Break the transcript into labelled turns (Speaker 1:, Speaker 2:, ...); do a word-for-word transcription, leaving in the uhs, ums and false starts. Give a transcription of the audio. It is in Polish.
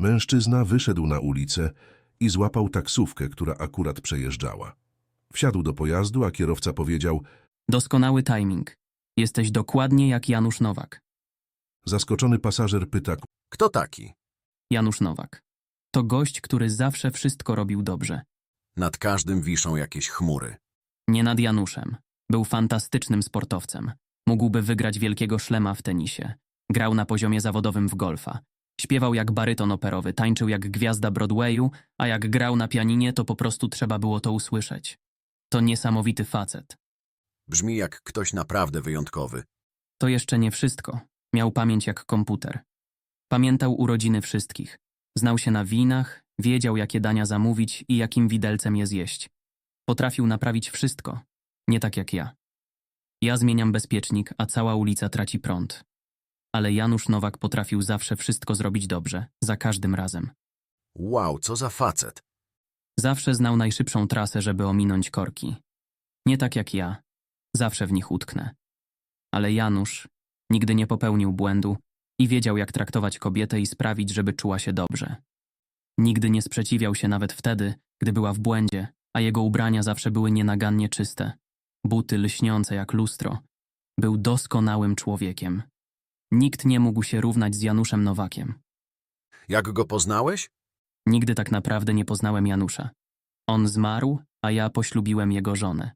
Speaker 1: Mężczyzna wyszedł na ulicę i złapał taksówkę, która akurat przejeżdżała. Wsiadł do pojazdu, a kierowca powiedział:
Speaker 2: Doskonały timing. Jesteś dokładnie jak Janusz Nowak.
Speaker 1: zaskoczony pasażer pyta:
Speaker 3: Kto taki?
Speaker 2: Janusz Nowak. To gość, który zawsze wszystko robił dobrze.
Speaker 3: Nad każdym wiszą jakieś chmury.
Speaker 2: Nie nad Januszem. Był fantastycznym sportowcem. Mógłby wygrać wielkiego szlema w tenisie. Grał na poziomie zawodowym w golfa. Śpiewał jak baryton operowy, tańczył jak gwiazda Broadwayu, a jak grał na pianinie, to po prostu trzeba było to usłyszeć. To niesamowity facet.
Speaker 3: Brzmi jak ktoś naprawdę wyjątkowy.
Speaker 2: To jeszcze nie wszystko. Miał pamięć jak komputer. Pamiętał urodziny wszystkich. Znał się na winach, wiedział jakie dania zamówić i jakim widelcem je zjeść. Potrafił naprawić wszystko. Nie tak jak ja. Ja zmieniam bezpiecznik, a cała ulica traci prąd. Ale Janusz Nowak potrafił zawsze wszystko zrobić dobrze, za każdym razem.
Speaker 3: Wow, co za facet.
Speaker 2: Zawsze znał najszybszą trasę, żeby ominąć korki. Nie tak jak ja. Zawsze w nich utknę. Ale Janusz nigdy nie popełnił błędu i wiedział, jak traktować kobietę i sprawić, żeby czuła się dobrze. Nigdy nie sprzeciwiał się nawet wtedy, gdy była w błędzie, a jego ubrania zawsze były nienagannie czyste. Buty lśniące jak lustro. Był doskonałym człowiekiem. Nikt nie mógł się równać z Januszem Nowakiem.
Speaker 3: Jak go poznałeś?
Speaker 2: Nigdy tak naprawdę nie poznałem Janusza. On zmarł, a ja poślubiłem jego żonę.